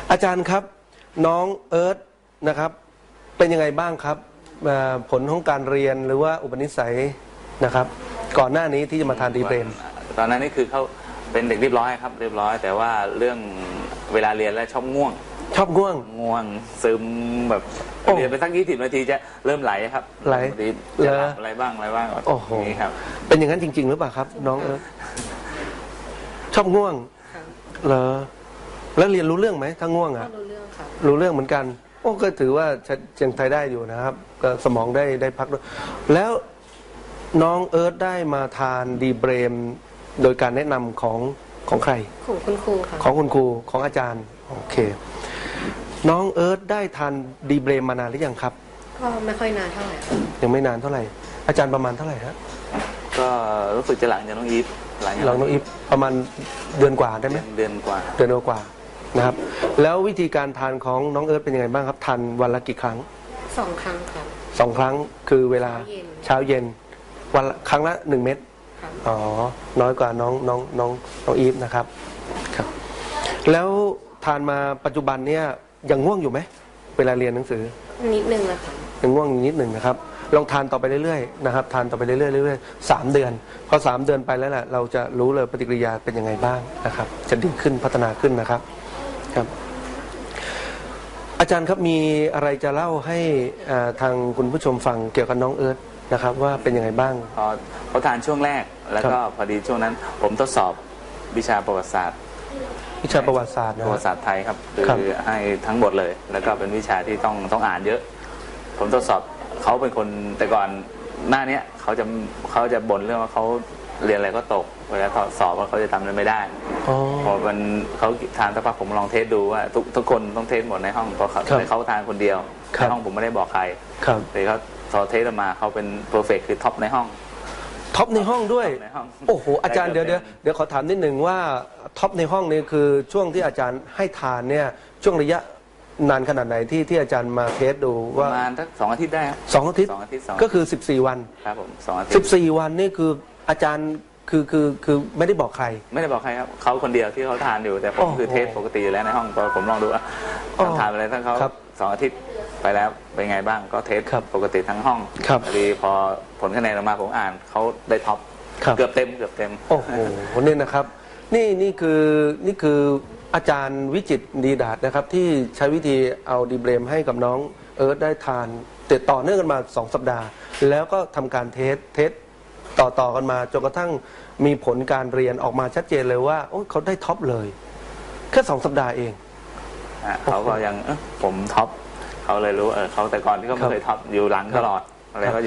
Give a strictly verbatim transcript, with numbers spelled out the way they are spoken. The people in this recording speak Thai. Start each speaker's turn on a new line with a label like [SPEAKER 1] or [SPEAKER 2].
[SPEAKER 1] อาจารย์ครับน้องเอิร์ธนะครับเป็นยังไงบ้างครับผลของการเรียนหรือว่าอุปนิสัยนะครับก่อนหน้านี้ที่จะมาทานดีเบรม
[SPEAKER 2] ตอนนั้นนี่คือเขาเป็นเด็กเรียบร้อยครับเรียบร้อยแต่ว่าเรื่องเวลาเรียนแล้วชอบง่วง
[SPEAKER 1] ชอบง่วง
[SPEAKER 2] ง่วงซึมแบบเรียนไปสักยี่สิบนาทีจะเริ่มไหลครับ
[SPEAKER 1] ไหล
[SPEAKER 2] จะหลับอะไรบ้างอะไรบ้าง
[SPEAKER 1] โอ้โห
[SPEAKER 2] นี่ครับ
[SPEAKER 1] เป็นอย่างนั้นจริงๆหรือเปล่าครับน้องเอิร์ธชอบง่วงเหรอแล้วเรียนรู้เรื่องไหมถ้าง่วงอ่ะ
[SPEAKER 3] รู้เรื่องค่ะ
[SPEAKER 1] รู้เรื่องเหมือนกันโอ้ก็ถือว่ายังไทยได้อยู่นะครับก็สมองได้ได้พักด้วยแล้วน้องเอิร์ธได้มาทานดีเบรมโดยการแนะนำของของใคร
[SPEAKER 3] ของคุณครูค่ะ
[SPEAKER 1] ของคุณครูของอาจารย์โอเคน้องเอิร์ธได้ทานดีเบรมมานานหรือยังครับ
[SPEAKER 3] ก็ไม่ค่อยนานเท่าไหร่
[SPEAKER 1] ยังไม่นานเท่าไหร่อาจารย์ประมาณเท่าไหร่ฮะ
[SPEAKER 2] ก็รู้สึกจะหลังจากน้องอีฟ
[SPEAKER 1] หลังน้องอีฟประมาณเดือนกว่าได้ไหม
[SPEAKER 2] เดือนกว่า
[SPEAKER 1] เดือนกว่านะครับแล้ววิธีการทานของน้องเอิร์ธเป็นยังไงบ้างครับทานวันละกี่ครั้ง
[SPEAKER 3] สองครั้งครับ
[SPEAKER 1] สองครั้งคือเวลาเช้าเย็นวันครั้งละหนึ่งเม็ดอ๋อน้อยกว่าน้องน้องน้องน้องอีฟนะครับครับแล้วทานมาปัจจุบันเนี่ยยังง่วงอยู่ไหมเวลาเรียนหนังสือ
[SPEAKER 3] นิดนึงนะคะ
[SPEAKER 1] ยังง่วงนิดหนึ่งนะครับลองทานต่อไปเรื่อยๆนะครับทานต่อไปเรื่อยๆเรื่อยๆสามเดือนพอสามเดือนไปแล้วแหละเราจะรู้เลยปฏิกิริยาเป็นยังไงบ้างนะครับจะดีขึ้นพัฒนาขึ้นนะครับครับอาจารย์ครับมีอะไรจะเล่าให้ทางคุณผู้ชมฟังเกี่ยวกับน้องเอิร์ธนะครับว่าเป็นยังไงบ้าง
[SPEAKER 2] พอเขาทานช่วงแรกแล้วก็พอดีช่วงนั้นผมทดสอบวิชาประวัติศาสตร์
[SPEAKER 1] วิชาประวัติศาสตร์
[SPEAKER 2] ประวัติศาสตร์ไทยครับคือให้ทั้งหมดเลยแล้วก็เป็นวิชาที่ต้องต้องอ่านเยอะผมทดสอบเขาเป็นคนแต่ก่อนหน้านี้เขาจะเขาจะบ่นเรื่องว่าเขาเรียนอะไรก็ตกเวลาสอบว่าเขาจะทำอะไรไม่ได้พอมันเขาทานสักพักผมลองเทสดูว่าทุกทุกคนต้องเทสหมดในห้องเพราะเขาเขาทานคนเดียวในห้องผมไม่ได้บอกใครแต่เขาพอเทสออกมาเขาเป็นเพอร์เฟกต์คือท็อปในห้อง
[SPEAKER 1] ท็อปในห้องด้วยโอ้โหอาจารย์เดี๋ยวเดี๋ยวเดี๋ยวขอถามนิดหนึ่งว่าท็อปในห้องนี่คือช่วงที่อาจารย์ให้ทานเนี่ยช่วงระยะนานขนาดไหนที่ที่อาจารย์มาเทสดูว่า
[SPEAKER 2] ประมาณสักสองอาทิตย์ได้ครับ
[SPEAKER 1] สองอาทิตย์ก็คือสิบสี่วัน
[SPEAKER 2] ครับผมสองอาทิตย์
[SPEAKER 1] สิบสี่วันนี่คืออาจารย์คือคือคือไม่ได้บอกใคร
[SPEAKER 2] ไม่ได้บอกใครครับเขาคนเดียวที่เขาทานอยู่แต่ผมคือเทสปกติอยู่แล้วในห้องผมลองดูว่าทานอะไรทั้งเขาสองอาทิตย์ไปแล้วเป็นไงบ้างก็เทสปกติทั้งห้องพอดีพอผลคะแนนออกมาผมอ่านเขาได้ท็อปเกือบเต็มเกือบเต็ม
[SPEAKER 1] โอ้โหนี่นะครับนี่นี่คือนี่คืออาจารย์วิจิตรดีดาษนะครับที่ใช้วิธีเอาดีเบรมให้กับน้องเอิร์ธได้ทานติดต่อเนื่องกันมาสองสัปดาห์แล้วก็ทำการเทสเทสต่อต่อกันมาจนกระทั่งมีผลการเรียนออกมาชัดเจนเลยว่าโอ้เขาได้ท็อปเลยแค่สองสัปดาห์เอง
[SPEAKER 2] เขาก็ยังผมท็อปเขาเลยรู้เออเขาแต่ก่อนที่เขาไม่เคยท็อปอยู่หลังตลอดอะไรก็